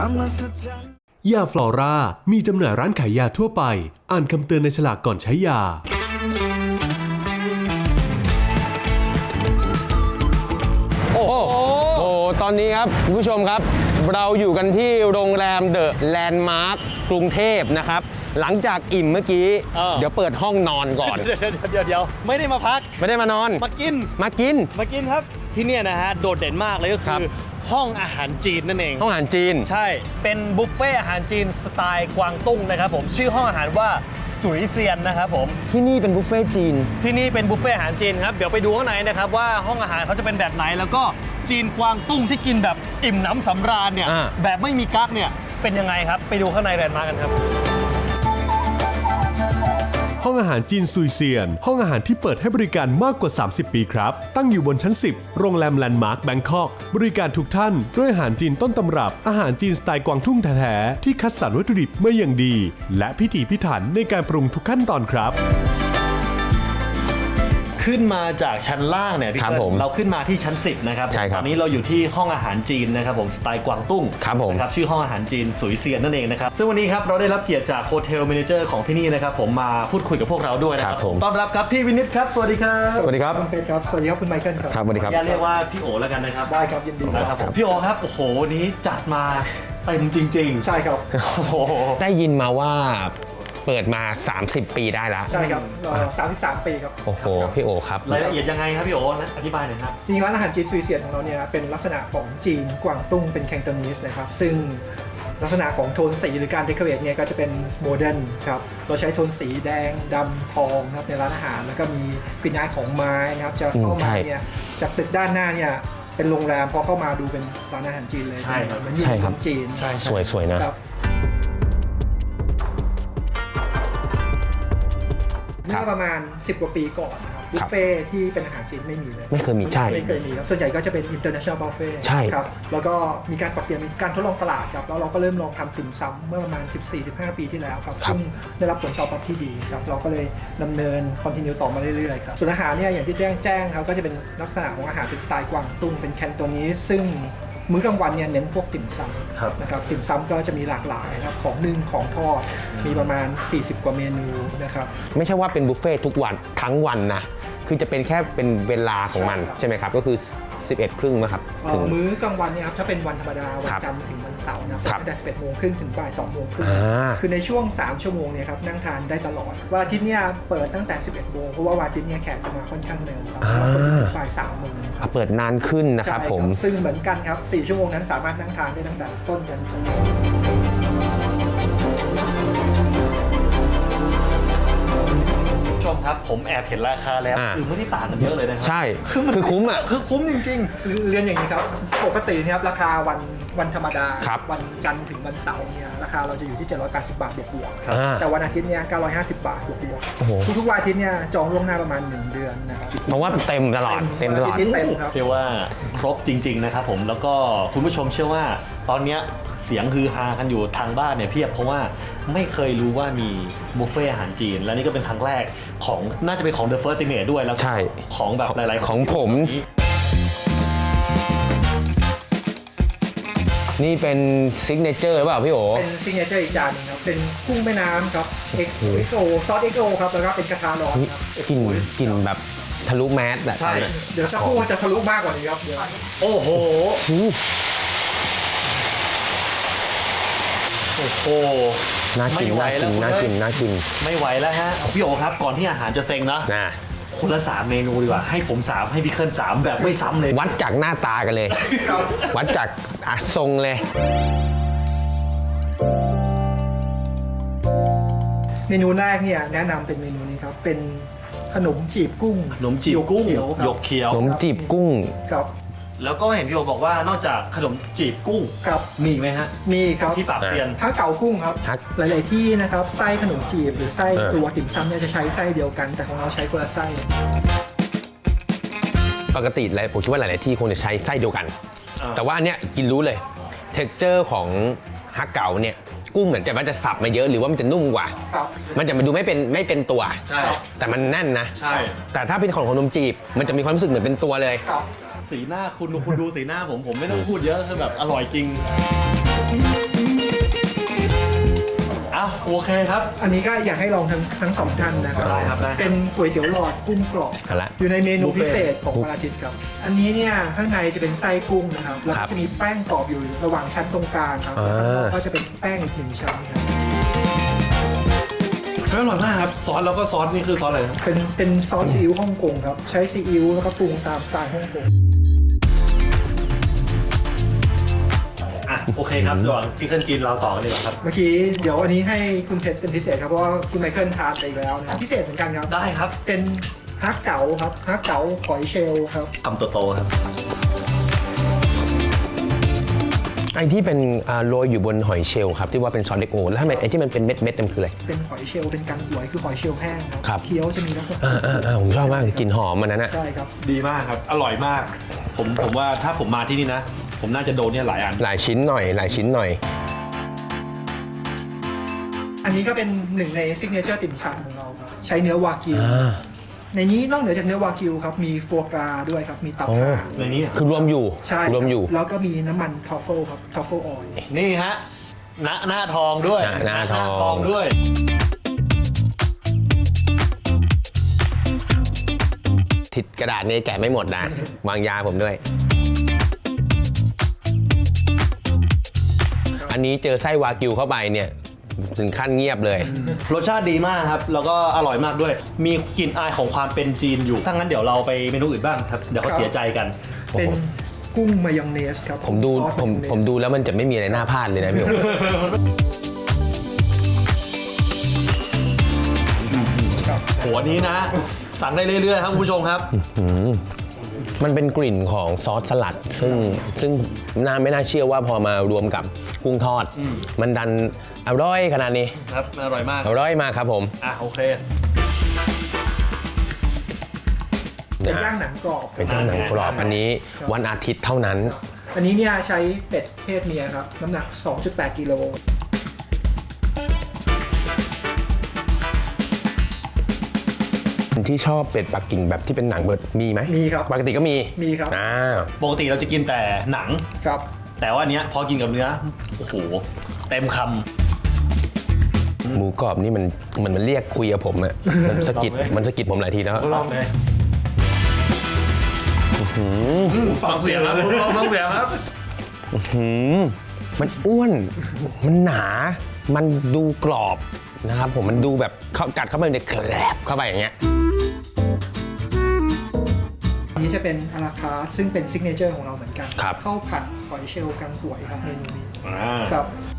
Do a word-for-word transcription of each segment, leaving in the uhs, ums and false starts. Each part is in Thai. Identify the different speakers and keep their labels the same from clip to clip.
Speaker 1: ยาฟลอรามีจำหน่ายร้านขายยาทั่วไปอ่านคำเตือนในฉลากก่อนใช้ยา
Speaker 2: โอ้โหโอ้ตอนนี้ครับคุณผู้ชมครับเราอยู่กันที่โรงแรมเดอะแลนด์มาร์คกรุงเทพนะครับหลังจากอิ่มเมื่อกี้เ, เดี๋ยวเปิดห้องนอนก่อน
Speaker 3: เดี๋ยวเดี๋ยวเดี๋ยวไม่ได้มาพัก
Speaker 2: ไม่ได้มานอน
Speaker 3: มากิน
Speaker 2: มากิน
Speaker 3: มากินครับที่นี่นะฮะโดดเด่นมากเลยก็คือห้องอาหารจีนนั่นเอง
Speaker 2: ห้องอาหารจีน
Speaker 3: ใช่เป็นบุฟเฟ่อาหารจีนสไตล์กวางตุ้งนะครับผมชื่อห้องอาหารว่าสุยเซียนนะครับผม
Speaker 2: ที่นี่เป็นบุฟเฟ่จีน
Speaker 3: ที่นี่เป็นบุฟเฟ่อาหารจีนครับเดี๋ยวไปดูข้างในนะครับว่าห้องอาหารเขาจะเป็นแบบไหนแล้วก็จีนกวางตุ้งที่กินแบบอิ่มหนำสำราญเนี่ยแบบไม่มีกั๊กเนี่ยเป็นยังไงครับไปดูข้างในแลนด์มาร์คกันครับ
Speaker 1: ห้องอาหารจีนซุยเซียนห้องอาหารที่เปิดให้บริการมากกว่าสามสิบปีครับตั้งอยู่บนชั้นสิบโรงแรมแลนด์มาร์คแบงคอกบริการทุกท่านด้วยอาหารจีนต้นตำรับอาหารจีนสไตล์กวางตุ้งแท้ๆที่คัดสรรวัตถุดิบมาอย่างดีและพิถีพิถันในการปรุงทุกขั้นตอนครับ
Speaker 3: ขึ้นมาจากชั้นล่างเนี่ยพี่เติ้ลเราขึ้นมาที่ชั้นสิบนะครับตอนนี้เราอยู่ที่ห้องอาหารจีนนะครับผมสไตล์กวางตุ้งนะครับชื่อห้องอาหารจีนสุยเซียนนั่นเองนะครับซึ่งวันนี้ครับเราได้รับเกียรติจากโฮเทลแมเนเจอร์ของที่นี่นะครับผมมาพูดคุยกับพวกเราด้วยนะครับต้อนรับครับพี่วินิตครับสวัสดีครับ
Speaker 2: สวัสดีครับ
Speaker 4: คุณเป็ดครับสวัสดีครับคุณไมเคิลครับ
Speaker 2: ครับสวัสดีครับ
Speaker 3: อย่าเรียกว่าพี่โอแล้วกันนะครับ
Speaker 4: ได้ครับยินดี
Speaker 3: นะครับผมพี่โอครับโอ้โหวันนี้จัดมาเต็มจริงๆ
Speaker 4: ใช่ครับ
Speaker 2: ได้ยินมาว่าเปิดมาสามสิบปีได้แล้ว
Speaker 4: ใช่ครับสามสิบสามปีครับ
Speaker 2: โอ้โหพี่โอครับ
Speaker 3: รายละเอียดยังไงครับพี่โออธิบายหน่อยครับ
Speaker 4: จริงๆร้านอาหารจีนซุยเซียนของเราเนี่ยเป็นลักษณะของจีนกวางตุ้งเป็นแคนโตนีสนะครับซึ่งลักษณะของโทนสีหรือการเดคอเรทเนี่ยก็จะเป็นโมเดิร์นครับเราใช้โทนสีแดงดำทองนะครับในร้านอาหารแล้วก็มีกลิ่นอายของไม้นะครับจะเข้ามาเนี่ยจากตึกด้านหน้าเนี่ยเป็นโรงแรมพอเข้ามาดูเป็นร้านอาหารจีนเลย
Speaker 3: ใช่ครับ
Speaker 4: มันอยู่ในจีน
Speaker 2: สวยๆนะ
Speaker 4: เมื่อประมาณสิบกว่าปีก่อนนะครับบุฟเฟ่ที่เป็นอาหารจีนไม่มีเลย
Speaker 2: ไม่เคยมีใช่
Speaker 4: ไม่เคยมีครับส่วนใหญ่ก็จะเป็น international buffet
Speaker 2: ใช่
Speaker 4: ครับแล้วก็มีการปรับเปลี่ยนมีการทดลองตลาดครับแล้วเราก็เริ่มลองทำติ่มซำเมื่อประมาณ สิบสี่ถึงสิบห้า ปีที่แล้วครับซึ่งได้รับผลตอบรับที่ดีครับเราก็เลยดำเนิน continue ต่อมาเรื่อยๆครับส่วนอาหารเนี่ยอย่างที่แจ้งแจ้งครับก็จะเป็นลักษณะของอาหารเป็นสไตล์กวางตุ้งเป็นแคนโตนีสซึ่งมื้อกลางวันเนี่ยเน้นพวกติ่มซำนะครับติ่มซำก็จะมีหลากหลายนะครับของนึ่งของทอดมีประมาณสี่สิบกว่าเมนูนะครับ
Speaker 2: ไม่ใช่ว่าเป็นบุฟเฟ่ทุกวันทั้งวันนะคือจะเป็นแค่เป็นเวลาของมันใช่ไหมครับก็คือสิบเอ็ดครึ่งนะครับ
Speaker 4: ถึงมื้อกลางวันเนี่ยครับถ้าเป็นวันธรรมดาวันจันทร์ถึงวันเสาร์นะครับตั้งแต่สิบเอ็ดโมงครึ่งถึงบ่ายสองโมงครึ่งคือในช่วงสามชั่วโมงเนี่ยครับนั่งทานได้ตลอดวันอาทิตย์เนี่ยเปิดตั้งแต่สิบเอ็ดโมงเพราะว่าวันอาทิตย์เนี่ยแขกจะมาค่อนข้างเร็วครับถึงบ่ายสามโมง
Speaker 2: เปิดนานขึ้นนะครับผม
Speaker 4: ซึ่งเหมือนกันครับสี่ชั่วโมงนั้นสามารถนั่งทานได้ตั้งแต่ต้นจนจบ
Speaker 3: ชมครับผมแอบเห็นราคาแล้วคือไม่ได้ต่างกันเยอะเลยนะครับ
Speaker 2: ใช่คือคุ้มอ่ะ
Speaker 4: คือคุ้มจริงๆเรียนอย่างนี้ครับปกตินะครับราคาวันวันธรรมดาวันจันทร์ถึงวันเสาร์เนี่ยราคาเราจะอยู่ที่เจ็ดร้อยแปดสิบบาทบวกๆแต่วันอาทิตย์เนี่ยเก้าร้อยห้าสิบบาทบวกๆทุกๆวันอาทิตย์เนี่ยจองล่วงหน้าประมาณหนึ่งเดือนนะครับ
Speaker 2: เพราะว่าเต็มตลอดเต็มตลอด
Speaker 4: เต็มครับ
Speaker 3: เรียกว่าครบจริงๆนะครับผมแล้วก็คุณผู้ชมเชื่อว่าตอนนี้เสียงฮือฮากันอยู่ทางบ้านเนี่ยเพียบเพราะว่าไม่เคยรู้ว่ามีบุฟเฟ่อาหารจีนและนี่ก็เป็นครั้งแรกของน่าจะเป็นของ The First Estimate ด้วยแล้วของแบบหลายๆ
Speaker 2: ของผมนี่เป็นซิกเนเจอร์หรือเปล่าพี่โอ
Speaker 4: เป็นซิกเนเจอร์อีกจานนึงครับเป็นกุ้งแม่น้ำครับเอ็กโอซอสเอ็กโอครับแล้วก็เป็นกระทะร้อนครับ
Speaker 2: กลิ่นกลิ่นแบบทะลุแมสแบบ
Speaker 4: ใช่เดี๋ยวสักครู่จะทะลุมากกว่านี้ครับเดี๋ยว
Speaker 3: โอ้โหโอ้โห
Speaker 2: น่ากินน่ากินน่ากินน่ากิน
Speaker 3: ไม่ไหวแล้วฮะพี่โอครับก่อนที่อาหารจะเซ็งนะคนละสามเมนูดีกว่าให้ผมสามให้พี่เคิลสามแบบไม่ซ้ำเลย
Speaker 2: วัดจากหน้าตากันเลยวัดจากทรงเลย
Speaker 4: เมนูแรกเนี่ยแนะนำเป็นเมนูนี้ครับเป็นขนมจีบกุ้ง
Speaker 3: ขนมจีบกุ้งหยกเขียว
Speaker 2: ขนมจีบกุ้ง
Speaker 4: ครับ
Speaker 3: แล้วก็เห็นพี่โอบอกว่านอกจากขนมจีบกุ้ง
Speaker 4: ครับ
Speaker 3: มีไหมฮะ
Speaker 4: มีครับ
Speaker 3: ที่ปากเซียน
Speaker 4: ถ้าเก๋ากุ้งครับหลายๆที่นะครับไส้ขนมจีบหรือไส้ตัวติ่มซำเนี่ยจะใช้ไส้เดียวกันแต่ของเราใช้คนละไส้
Speaker 2: ปกติแล้วผมคิดว่าหลายๆที่คงจะใช้ไส้เดียวกันแต่ว่าอันเนี้ยกินรู้เลยเท็กเจอร์ของฮักเก๋าเนี่ยกุ้งเหมือนจะมันจะสับมาเยอะหรือว่ามันจะนุ่มกว่ามันจะมาดูไม่เป็นไม่เป็นตัวแต่มันแน่นนะแต่ถ้าเป็นของขนมจีบมันจะมีความรู้สึกเหมือนเป็นตัวเลย
Speaker 3: สีหน้าคุณคุณดูสีหน้าผมผมไม่ต้องพูดเยอะคือแบบอร่อยจริงาวโอเคครับ
Speaker 4: อันนี้ก็อยากให้ลองทั้งทั้งสองท่านนะครับ
Speaker 3: ได้ครับได้
Speaker 4: เป็นก๋วยเตี๋ยวหลอดกุ้งกรอบ
Speaker 2: เอาละ
Speaker 4: อยู่ในเมนู
Speaker 3: บุฟเฟ่
Speaker 4: พิเศษของวันอาทิตย์ครับ อันนี้เนี่ยข้างในจะเป็นไส้กุ้งนะครับแล้ว
Speaker 2: ครั
Speaker 4: ก็
Speaker 2: บ
Speaker 4: จะมีแป้งกรอบอยู่ระหว่างชั้นตรงกลางครับ
Speaker 2: อ่า
Speaker 4: แล้วข้างนอกก็จะเป็นแป้งอีกหนึ่งชั้นครับ
Speaker 3: อร่อยมากครับซอสแล้วก็ซอสนี่คือซอสอะไรนะ
Speaker 4: เป็นเป็นซอสซีอิ๊วฮ่องกงครับใช้ซีอิ๊วแล้วก็ปรุงตามสไตล์ฮ่องกง
Speaker 3: อ่ะโอเคครับระหว่างพี่เคิลกินเราต่อกันดีกว่าครับ
Speaker 4: เมื่อกี้เดี๋ยวอันนี้ให้คุณเพชรเป็นพิเศษครับเพราะว่าคุณไมเคิลทานไปอีกแล้วนะครับพิเศษเหมือนกันครับ
Speaker 3: ได้ครับ
Speaker 4: เป็นฮักเก๋าครับฮักเก๋าหอยเชลล์ครับ
Speaker 3: คำโตๆครับ
Speaker 2: ไอ้ที่เป็นอ่าโรยอยู่บนหอยเชลล์ครับที่ว่าเป็นซอสเล็กโอแล้วทำไมไอ้ที่มันเป็นเม็ดเม็ดๆนั่นคืออะไร
Speaker 4: เป็นหอยเชลล์เป็นกันหวยคือหอยเชลล์แห้งค
Speaker 2: ครั
Speaker 4: รับ เคี้ยวจะมีลักษณะ
Speaker 2: อ่าอ่าอ่าผมชอบมากกลิ่นหอมมันนั้นนะ
Speaker 4: ใช่ครับ
Speaker 3: ดีมากครับ อร่อยมาก ผมผมว่าถ้าผมมาที่นี่นะ ผมน่าจะโดนเนี่ยหลายอัน
Speaker 2: หลายชิ้นหน่อยหลายชิ้นหน่อย
Speaker 4: อันนี้ก็เป็นหนึ่งในซิกเนเจอร์ติ่มซำของเราครับใช้เนื้อวากิว
Speaker 2: อ่า
Speaker 4: ในนี้นอกเหนือจากเนื้อวากิวครับมีฟัวกราด้วยครับมีตับ
Speaker 2: โอ้
Speaker 4: ห่าน
Speaker 3: ในนี้
Speaker 2: คือรวมอยู่
Speaker 4: ใช่คบ
Speaker 2: รวมอยู่
Speaker 4: แล้วก็มีน้ำมันทรัฟเฟิลครับทรัฟเฟิลออยล์
Speaker 3: นี่ฮะหน้าหน้าทองด้วย
Speaker 2: หน้าหน้าทอง
Speaker 3: ทองด้วย
Speaker 2: ทิดกระดาษนี้แกะไม่หมดนะ วางยาผมด้วย อันนี้เจอไส้วากิวเข้าไปเนี่ยถึงขั้นเงียบเลย
Speaker 3: รสชาติดีมากครับ แล้วก็อร่อยมากด้วย มีกลิ่นอายของความเป็นจีนอยู่ถ้างั้นเดี๋ยวเราไปเมนูอื่นบ้างครับ เดี๋ยวเขาเสียใจกัน
Speaker 4: เป็นกุ้งมายองเนสครับ
Speaker 2: ผมดู
Speaker 4: ซอส
Speaker 2: ผม
Speaker 4: ายองเนส
Speaker 2: ผมดูแล้วมันจะไม่มีอะไรน่าพลาดเลยนะพี่โอ๋
Speaker 3: โหอันนี้นะ สั่งได้เรื่อยๆครับคุณผู้ชมครับ
Speaker 2: อืมมันเป็นกลิ่นของซอสสลัด ซึ่งซึ่งน่าไม่น่าเชื่อว่าพอมารวมกับกุ้งทอด มันดันอร่อยขนาดนี้
Speaker 3: ครับ อร่อยมาก
Speaker 2: อร่อยมากครับผม
Speaker 3: อ่ะโอเค
Speaker 4: เป็นย่างหนังกรอบ
Speaker 2: เป็นเจ้าหนังกรอบอันนี้วันอาทิตย์เท่านั้น
Speaker 4: อันนี้เนี่ยใช้เป็ดเพศเมียครับน้ำหนัก สองจุดแปด กิโล
Speaker 2: ที่ชอบเป็ดปักกิ่งแบบที่เป็นหนังเบิดมีไหม
Speaker 4: มีครับ
Speaker 2: ปกติก็มี
Speaker 4: มีครับ
Speaker 2: อ่า
Speaker 3: ปกติเราจะกินแต่หนัง
Speaker 4: ครับ
Speaker 3: แต่ว่าอันเนี้ยพอกินกับเนื้อ โอ้โห เต็มค
Speaker 2: หมูกรอบนี่มันมันมันเรียกคุยกับผมอะมันสะกิด
Speaker 3: ลองเลย
Speaker 2: มันสะกิดผมหลายทีแล้ว
Speaker 3: ำลองเลยฟังเสียงครับฟังเสียงครับ
Speaker 2: หืมมันอ้วน มันหนา มันดูกรอบนะครับผมมันดูแบบเข้ากัดเข้าไปในแกลบเข้าไปอย่างเงี้ย
Speaker 4: อันนี้จะเป็นอาราคาร์ทซึ่งเป็นซิกเนเจอร์ของเราเหมือนกัน
Speaker 2: ครับ
Speaker 4: ข้าวผัดหอยเชลล์กังหวยครับเมนูนี้
Speaker 3: อ่า
Speaker 4: ครับ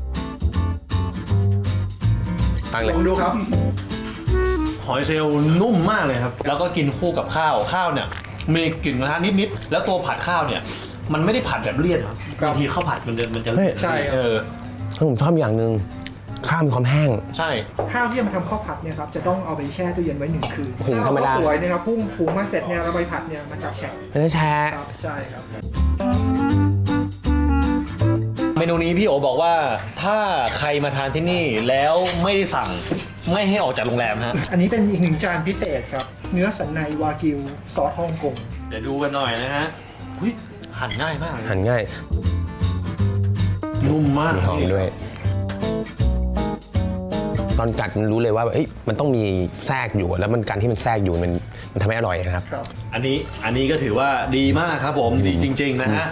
Speaker 2: ตั้งเลย
Speaker 4: ลองดูครับ
Speaker 3: หอยเชลล์นุ่มมากเลยครับ แล้วก็กินคู่กับข้าว ข้าวเนี่ย มีกลิ่นกระทะนิดๆ แล้วตัวผัดข้าวเนี่ย มันไม่ได้ผัดแบบเลี่ยนครับ
Speaker 4: ครับ
Speaker 3: บางทีข้าวผัดมันจะมันจะ
Speaker 4: ใช่ครับ
Speaker 3: เออ
Speaker 2: ผมชอบอย่างหนึ่งข้าวมีความแห้ง
Speaker 3: ใช่
Speaker 4: ข้าวที่จะมาทำข้าวผัดเนี่ยครับจะต้องเอาไปแช่ตู้เย็นไว้หนึ่งคืน
Speaker 2: หุงธรรมดา
Speaker 4: ข้วสวยนะครับพุ่งหุงมาเสร็จเนี่ยเราไปผัดเนี่ยมันจะแฉะ
Speaker 2: ไม่ได้แชร์
Speaker 4: ครับใช่ครับ
Speaker 3: เมนูนี้พี่โอบอกว่าถ้าใครมาทานที่นี่แล้วไม่ได้สั่งไม่ให้ออกจากโรงแรมฮะ
Speaker 4: อันนี้เป็นอีกหนึ่งจานพิเศษครับ เนื้อสันในวากิวซอสฮ่องกง
Speaker 3: เดี๋ยวดูกันหน่อยนะฮะหุ้ยหั่นง่ายมากเลย
Speaker 2: หั่นง่าย
Speaker 3: นุ่มมาก
Speaker 2: มีหอมด้วย ตอนกัดมันรู้เลยว่าเอ้ยมันต้องมีแทรกอยู่แล้วมันการที่มันแทรกอยู่มันมันทำให้อร่อยนะครับ
Speaker 4: ครับ
Speaker 3: อันนี้อันนี้ก็ถือว่าดีมากครับผมดีจริง ๆ นะฮะ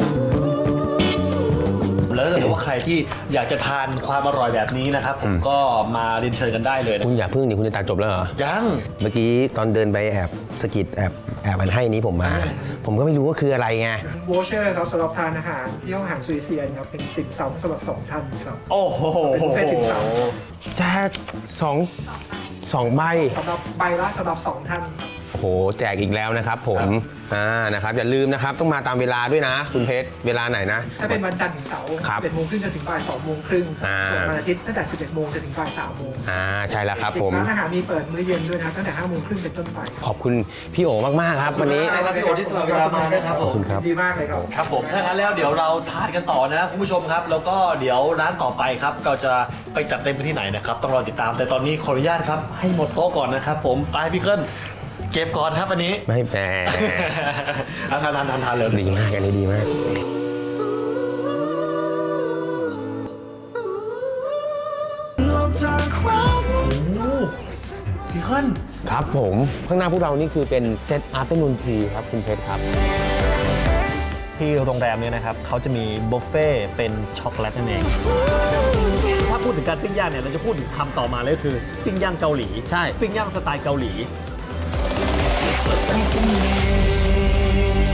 Speaker 3: แล้วถ้าเกิดว่าใครที่อยากจะทานความอร่อยแบบนี้นะครับผมก็มาเรียนเชิญกันได้เลยนะ
Speaker 2: คุณอย่าพึ่งดิคุณจะตัดจบแล้วเหรอ
Speaker 3: ยัง
Speaker 2: เมื่อกี้ตอนเดินไปแอบสะกิดแอบแอบมันให้นี้ผมมา ผมก็ไม่รู้ว่าคืออะไรไง
Speaker 4: โวเชอร์ครับสำหรับทานอาหารที่ห้องอาหารซุยเซียนครับเป็นติ่มซำสำหรับสองท่านครับ
Speaker 3: โอ้โห
Speaker 4: เป็นบุฟเฟ่ต์ติ่มซ
Speaker 2: แจกสองสองใบ
Speaker 4: สำหรับใบละสำหรับสองท่านครับ
Speaker 2: โอ้โหแจกอีกแล้วนะครับผมอ่านะครับอย่าลืมนะครับต้องมาตามเวลาด้วยนะ คุณเพชรเวลาไหนนะ
Speaker 4: ถ้าเป็นวันจันทร์ถึงเสาร์
Speaker 2: ครับ
Speaker 4: สิบเอ็ดโมงครึ่งจนถึงบ่ายสองโมงครึ่ง
Speaker 2: อ่า
Speaker 4: ส่วนวันอาทิตย์ตั้งแต่สิบเอ็ดโมงจนถึงบ่ายสามโมง
Speaker 2: อ่าใช่แล้วครับผม
Speaker 4: ร้านอาหารมีเปิดมื้อเย็นด้วยนะครับตั้งแต่ห้าโมงครึ่งเป็นต้นไป
Speaker 2: ขอบคุณพี่โอมากๆครับวันนี้
Speaker 3: ขอบคุณครับพี่โอที่สละเวลามานะครับผม
Speaker 2: ขอบคุณครับ
Speaker 4: ดีมากเลยครับ
Speaker 3: ครับผมถ้างั้นแล้วเดี๋ยวเราทานกันต่อนะคุณผู้ชมครับ แล้วก็เดี๋ยวร้านต่อไปครับเราจะไปจัดเต็มไปที่ไหนนะครับต้องรอติดตามแต่ตอนนี้ขออนุญาตครับให้หมดโต๊ะก่อนนะครับผมไปพี่เกิ้ลเก็บก่อนครับอันนี้
Speaker 2: ไม่แหม
Speaker 3: เอาทานทานทานทานเลย
Speaker 2: ดีมากอันนี้ดีมาก
Speaker 5: ลองท
Speaker 3: พี่เคิล
Speaker 2: ครับผมข้างหน้าพวกเรานี่คือเป็นเซตอาร์ตนูนทีครับคุณเพชรครับ
Speaker 3: ที่โรงแรมเนี่ยนะครับเขาจะมีบุฟเฟ่ต์เป็นช็อกโกแลตนั่นเองถ้าพูดถึงการปิ้งย่างเนี่ยเราจะพูดถึงคำต่อมาเลยคือปิ้งย่างเกาหลี
Speaker 2: ใช่
Speaker 3: ปิ้งย่างสไตล์เกาหลี